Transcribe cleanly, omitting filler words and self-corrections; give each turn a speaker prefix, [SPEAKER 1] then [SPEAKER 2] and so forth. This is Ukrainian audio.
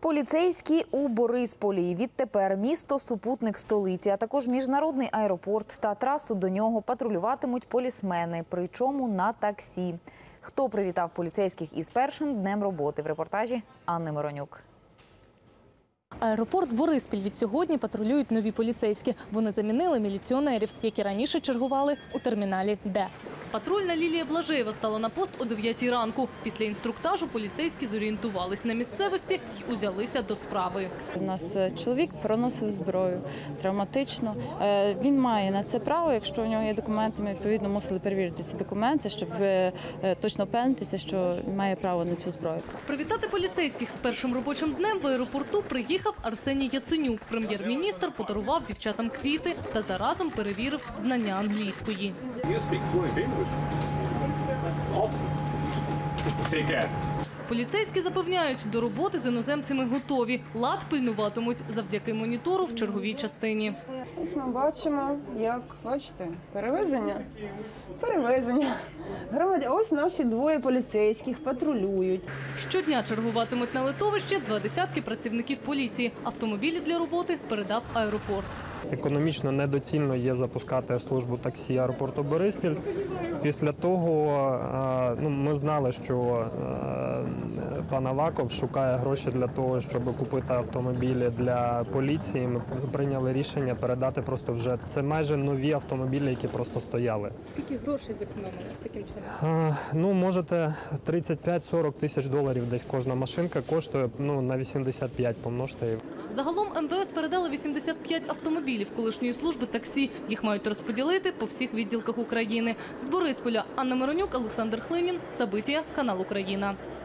[SPEAKER 1] Поліцейські у Борисполі. Відтепер місто – супутник столиці, а також міжнародний аеропорт та трасу до нього патрулюватимуть полісмени, причому на таксі. Хто привітав поліцейських із першим днем роботи? В репортажі Анни Миронюк.
[SPEAKER 2] Аеропорт Бориспіль від сьогодні патрулюють нові поліцейські. Вони замінили міліціонерів, які раніше чергували у терміналі Д. Патрульна Лілія Блажеєва стала на пост о 9 ранку. Після інструктажу поліцейські зорієнтувались на місцевості і узялися до справи.
[SPEAKER 3] У нас чоловік проносив зброю травматично. Він має на це право, якщо у нього є документи, ми відповідно мусили перевірити ці документи, щоб точно впевнитися, що має право на цю зброю.
[SPEAKER 2] Привітати поліцейських з першим робочим днем в аеропорту приїхав Арсеній Яценюк. Прем'єр-міністр подарував дівчатам квіти та заразом перевірив знання англійської. Поліцейські запевняють, до роботи з іноземцями готові. Лад пильнуватимуть завдяки монітору в черговій частині.
[SPEAKER 4] Ось ми бачимо, як, бачите, перевезення. Ось наші двоє поліцейських патрулюють.
[SPEAKER 2] Щодня чергуватимуть на литовищі 20 працівників поліції. Автомобілі для роботи передав аеропорт.
[SPEAKER 5] Економічно недоцільно є запускати службу таксі аеропорту Бориспіль. Після того ми знали, що пан Аваков шукає гроші для того, щоб купити автомобілі для поліції. Ми прийняли рішення передати просто вже. Це майже нові автомобілі, які просто стояли.
[SPEAKER 2] Скільки грошей зекономили таким чином?
[SPEAKER 5] Можете 35-40 тисяч доларів десь кожна машинка коштує, на 85 помножте.
[SPEAKER 2] Загалом МВС передали 85 автомобілів колишньої служби таксі. Їх мають розподілити по всіх відділках України. З Борисполя Анна Миронюк, Олександр Хлинін, Сабитія, канал Україна.